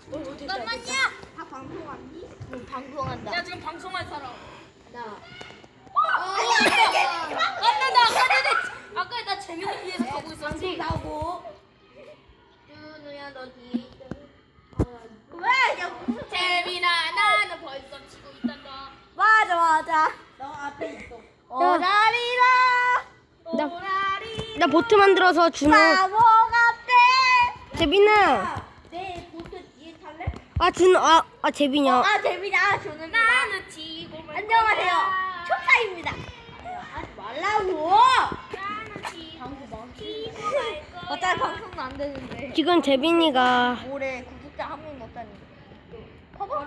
잠깐만요. 다 방송하니? 응, 방송한다. 야 지금 방송할 사람. 나. 아까 나 재민을 위해서 가고 있었지. 나고. 준우야 너 뒤에 있다. 왜? 야 무슨 재민아 나는 벌써 치고 있단다. 맞아. 너 앞에 있어. 오라리라. 나 보트 만들어서 준우. 바보 같아. 재빈아. 내 보트 뒤에 탈래? 아 준우. 아 재빈이야. 아 재민아 저는 나는 치고 말 안녕하세요. 거야. 초파입니다. 하지 말라고. 나는 치고 말 거야. 어차피 방송도 안 되는데. 지금 재빈이가 올해 구독자 한 명도 없다니. 커버?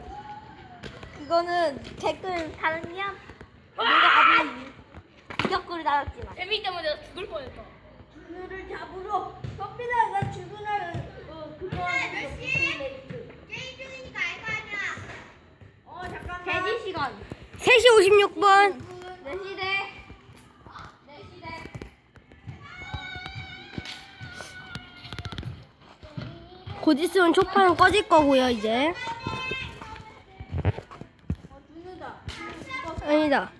그거는 댓글 달면 내가 아무리 이격글을 달았지만 재민 때문에 내가 죽을 뻔했다. 준우를 잡으러 섭비다가 준우를 그거 몇 시? 게임 중이니까 알 거 아니야. 잠깐만. 대기 시간. 3시 56분. 몇 시대? 몇 시대? 곧 있으면 초파는 꺼질 거고요 이제. 준우다. 아니다.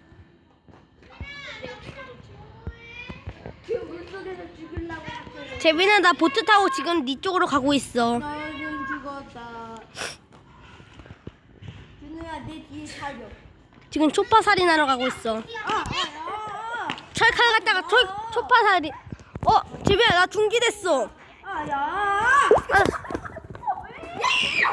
그 물속에서 죽이려고 했어. 재빈아 나 보트 타고 지금 네 쪽으로 가고 있어. 나는 죽었다. 준우야 내 뒤에 살려. 지금 초파 살인하러 가고 있어. 철칼 갖다가 초파 살인. 재빈아 나 중기됐어. 야. 아,